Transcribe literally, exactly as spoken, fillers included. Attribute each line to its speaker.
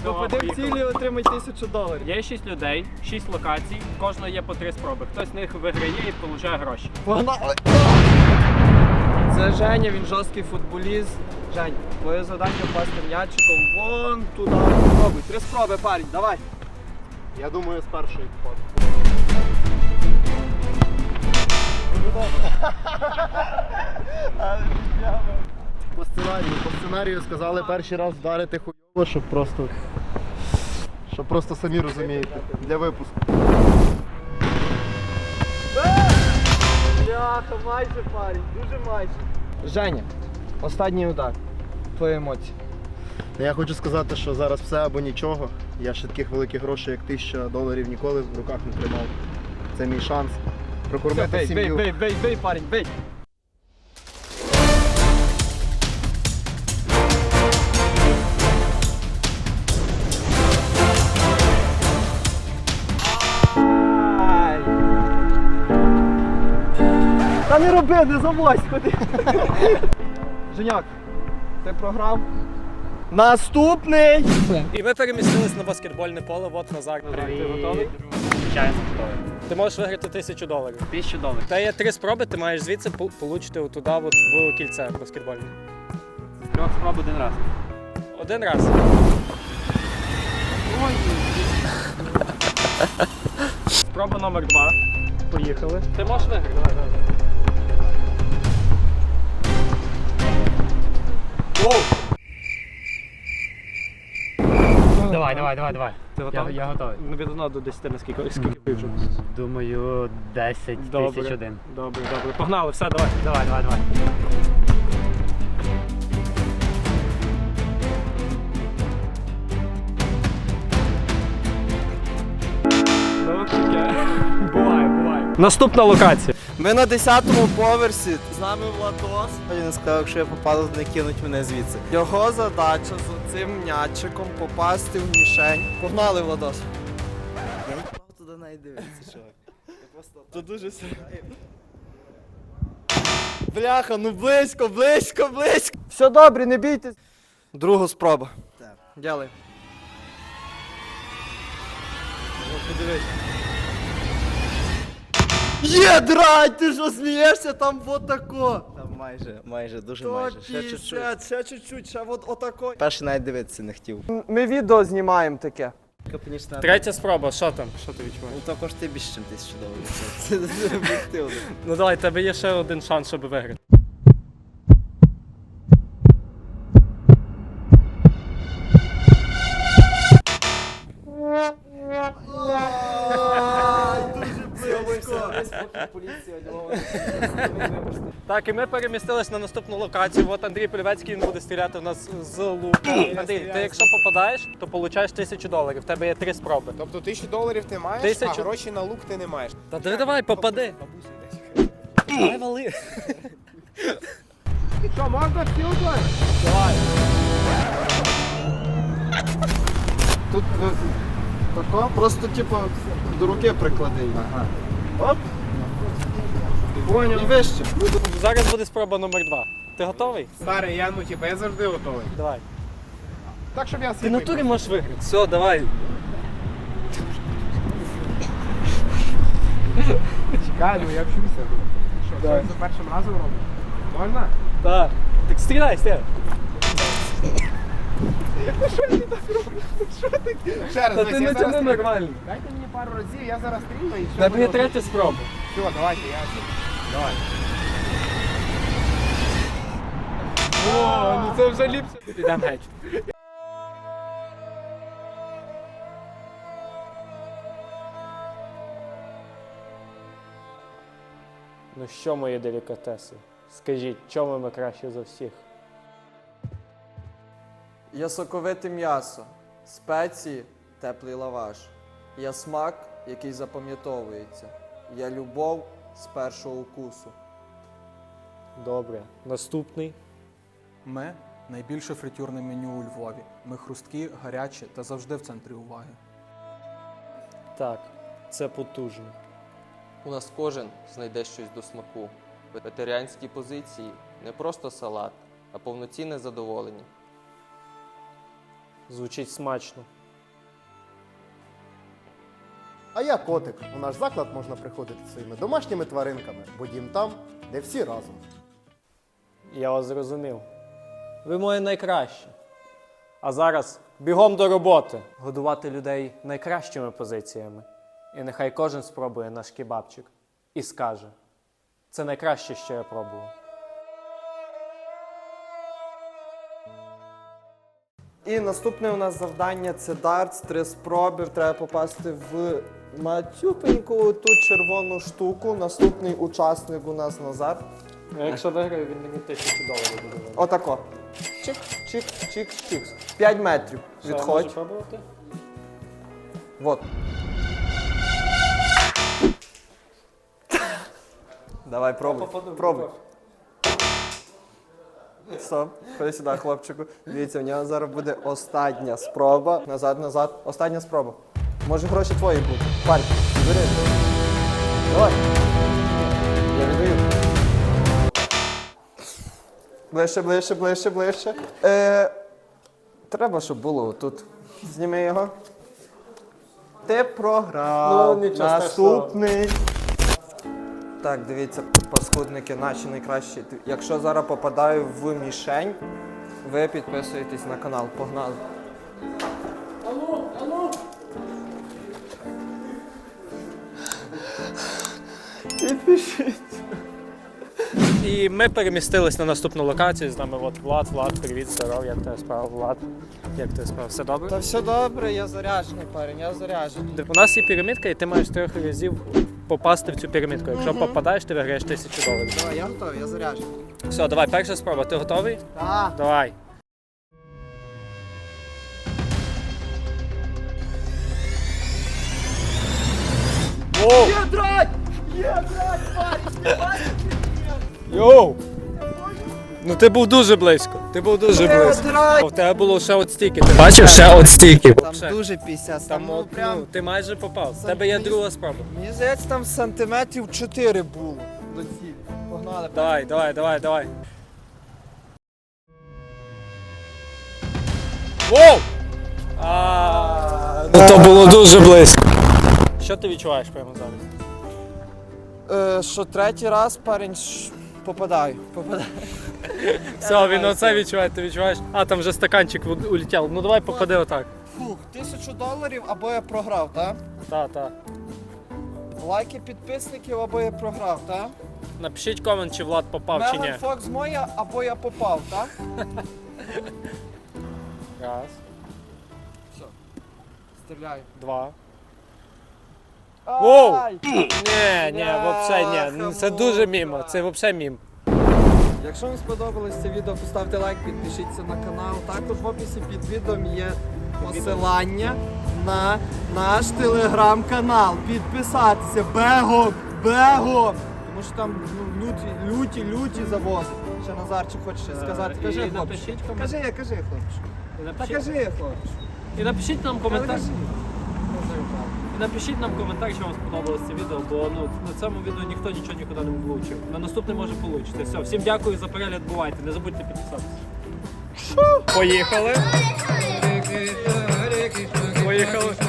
Speaker 1: Попади в цілі і отримай тисячу доларів.
Speaker 2: Є шість людей, шість локацій, в кожного є по три спроби. Хтось з них виграє і отримує гроші.
Speaker 1: Погнали! Це Женя, він жорсткий футболіст. Жень, твоє завдання впасти м'ячиком вон туди. Пробуй, три спроби, парень, давай.
Speaker 3: Я думаю, з першої впаду. По сценарію, по сценарію сказали перший раз вдарити хуйово, щоб просто, щоб просто самі розумієте, для випуску.
Speaker 1: Бляха, майже парень, дуже майже. Женя, останній удар. Твої емоції.
Speaker 3: Я хочу сказати, що зараз все або нічого. Я ще таких великих грошей, як тисяча доларів, ніколи в руках не тримав. Це мій шанс прокормити
Speaker 1: Бей, бей,
Speaker 3: сім'ю.
Speaker 1: бей, бей, бей, парень, бей. Ай. Та не роби, не завозь, ходи. Женяк, ти програв. Наступний!
Speaker 2: І ми перемістились на баскетбольне поле, от Назар. Ти готовий? Звичайно, готовий. Ти можеш виграти тисячу доларів. Тисячу доларів. Та є три спроби, ти маєш звідси отримати отуди, от, в кільце баскетбольне. З трьох спроб один раз. Один раз. Ой. Спроба номер два. Поїхали. Ти можеш виграти? Давай, давай. Воу!
Speaker 4: Давай, давай, давай, давай.
Speaker 2: Ти готовий?
Speaker 4: Я, я готовий.
Speaker 2: Ну, від одного до десяти, наскільки скільки ви вже?
Speaker 4: Думаю, десять тисяч один.
Speaker 2: Добре, добре. Погнали, все, давай.
Speaker 4: Давай, давай, давай.
Speaker 2: Ну, таке. Буває, буває. Наступна локація.
Speaker 1: Ми на десятому поверсі, з нами Владос. Він сказав, якщо я попаду, не кинуть мене звідси. Його задача з цим м'ячиком попасти в мішень. Погнали, Владос. Я не впав туди навіть дивитися, чувак. Я просто... Тут дуже сильно. Бляха, ну близько, близько, близько. Все добре, не бійтесь. Друга спроба. Так. Дякую. Подивись. Є, драть, ти що смієшся, там вот тако.
Speaker 5: Там майже, майже, дуже
Speaker 1: То
Speaker 5: майже. Ще чуть-чуть.
Speaker 1: п'ятдесят, ще чуть-чуть, ще от отако.
Speaker 5: Перший навіть дивитися не хотів.
Speaker 1: Ми відео знімаємо таке.
Speaker 5: Капонічна.
Speaker 2: Третя спроба, що там? Що ти відчуваєш?
Speaker 5: Ну також ти більше, ніж тисячу доларів. Це дуже об'єктивно.
Speaker 2: Ну давай, в тебе є ще один шанс, щоб виграти. Так, і ми перемістились на наступну локацію. От Андрій Полівецький, він буде стріляти в нас з лука. Андрій, ти якщо попадаєш, то получаєш тисячу доларів. В тебе є три спроби.
Speaker 6: Тобто тисячу доларів ти маєш,
Speaker 2: Тисячу.
Speaker 6: а гроші на лук ти не маєш.
Speaker 2: Та давай, давай, попади. Давай вали.
Speaker 6: Що, можна втілити?
Speaker 2: Давай.
Speaker 1: Тут е, тако, просто типу до руки приклади. Ага. Оп. І вище.
Speaker 2: Зараз буде спроба номер два. Ти готовий?
Speaker 6: Старий, я ну типу, я завжди готовий.
Speaker 2: Давай.
Speaker 6: Так, щоб я
Speaker 2: Ти
Speaker 6: свій
Speaker 2: на турі можеш виграти. Все, давай.
Speaker 6: Чекай, ну я вчуся. Що, це за першим разом робиш? Можна?
Speaker 2: Так. Так стріляй, стріляй.
Speaker 6: Ще раз,
Speaker 2: Та
Speaker 6: дивись,
Speaker 2: ти
Speaker 6: я
Speaker 2: не
Speaker 6: зараз
Speaker 2: тяни
Speaker 6: стрільну.
Speaker 2: нормально.
Speaker 6: Дайте мені пару разів, я зараз стрільну і що.
Speaker 2: Тебе є третя спроба.
Speaker 6: Все, давайте, я... Давай.
Speaker 2: О, ну це вже ліпше. Підемо геть. Ну що, мої делікатеси? Скажіть, чому ми краще за всіх?
Speaker 7: Я соковите м'ясо, спеції, теплий лаваш. Я смак, який запам'ятовується. Я любов з першого укусу.
Speaker 2: Добре. Наступний.
Speaker 8: Ми – найбільше фритюрне меню у Львові. Ми хрусткі, гарячі та завжди в центрі уваги.
Speaker 2: Так, це потужно.
Speaker 9: У нас кожен знайде щось до смаку. Вегетаріанські позиції – не просто салат, а повноцінне задоволення.
Speaker 2: Звучить смачно.
Speaker 3: А я котик. У наш заклад можна приходити зі своїми домашніми тваринками, бо дім там, де всі разом.
Speaker 2: Я вас зрозумів. Ви моє найкраще. А зараз бігом до роботи. Годувати людей найкращими позиціями. І нехай кожен спробує наш кебабчик і скаже: це найкраще, що я пробував.
Speaker 7: І наступне у нас завдання це дартс, три спроби. Треба попасти в матюпеньку ту червону штуку. Наступний учасник у нас Назар.
Speaker 2: А якщо виграю, він мені тисячу доларів буде винен.
Speaker 7: Отако. Чик, чик, чик, чик. П'ять метрів.
Speaker 2: Що, я можу
Speaker 7: Відходь.
Speaker 2: пробувати?
Speaker 7: Вот. Давай, пробуй.
Speaker 2: Попаду,
Speaker 7: Пробуй.
Speaker 2: попав.
Speaker 7: Стоп, ходи сюди, хлопчику. Дивіться, у нього зараз буде остання спроба. Назад, назад. Остання спроба. Може гроші твої будуть. Парк, бери. Давай. Я віддаю. Ближче, ближче, ближче, ближче. Е, треба, щоб було тут. Зніми його. Ти програв.
Speaker 2: Ну, нічого
Speaker 7: Наступний. Так, дивіться, паскудники наші найкращі. Якщо зараз попадаю в мішень, ви підписуєтесь на канал. Погнали. Підпишіть.
Speaker 2: І ми перемістились на наступну локацію. З нами от Влад. Влад, привіт, здоров, як тебе справа, Влад? Як тебе справа? Все добре?
Speaker 7: Та все добре, я заряджений парень, я заряджений.
Speaker 2: У нас є пірамідка, і ти маєш трьох разів попасти в цю пірамідку. Якщо попадаєш, ти виграєш тисячу доларів.
Speaker 7: Давай, я готовий, я заряджений.
Speaker 2: Все, давай, перша спроба. Ти готовий?
Speaker 7: Так.
Speaker 2: Давай. Воу!
Speaker 7: Є драть! Є драть, парень!
Speaker 2: Йоу! Ну ти був дуже близько. Ти був дуже
Speaker 7: Є
Speaker 2: близько.
Speaker 7: драть!
Speaker 2: В тебе було ще от стільки. Ти бачив ще от стільки.
Speaker 7: Там дуже пісяс,
Speaker 2: Там,
Speaker 7: там ну,
Speaker 2: от,
Speaker 7: прям...
Speaker 2: ну, ти майже попав. В тебе є друга спроба.
Speaker 7: Мені здається, там сантиметрів чотири було до цілі. Погнали.
Speaker 2: Давай, давай, давай, давай. Воу! А, ну то було дуже близько. Що ти відчуваєш прямо зараз?
Speaker 7: Е, що третій раз, парень, ш- попадаю. Попадаю.
Speaker 2: Все, він оце відчуває, ти відчуваєш. А, там вже стаканчик у- улетів. Ну давай попади отак.
Speaker 7: Фух, тисячу доларів або я програв, так?
Speaker 2: Так, так.
Speaker 7: Лайки підписників або я програв, так?
Speaker 2: Напишіть комент, чи Влад попав, чи ні.
Speaker 7: Меган Фокс моя або я попав, так?
Speaker 2: Раз,
Speaker 7: Стріляю.
Speaker 2: два. Воу!
Speaker 7: Ай!
Speaker 2: Ні, ні, взагалі ні. Ну, Це дуже мімо, це взагалі мім.
Speaker 7: Якщо вам сподобалось це відео, поставте лайк, підпишіться на канал. Також в описі під відео є посилання на наш телеграм-канал. Підписатися. Бегом! Бегом! Тому що там ну, люті, люті, люті завози. Ще Назарчик хоче щось сказати. Кажи,
Speaker 2: і
Speaker 7: хлопче.
Speaker 2: напишіть комент-
Speaker 7: Кажи, кажи, хлопче.
Speaker 2: І
Speaker 7: Та
Speaker 2: напишіть,
Speaker 7: кажи, хлопче.
Speaker 2: і напишіть нам
Speaker 7: Та
Speaker 2: коментар.
Speaker 7: кажи.
Speaker 2: І напишіть нам коментар, що вам сподобалось це відео, бо ну, на цьому відео ніхто нічого нікуди не влучив. На наступне може вийти. Все, всім дякую за перегляд, бувайте. Не забудьте підписатися. Поїхали. Поїхали.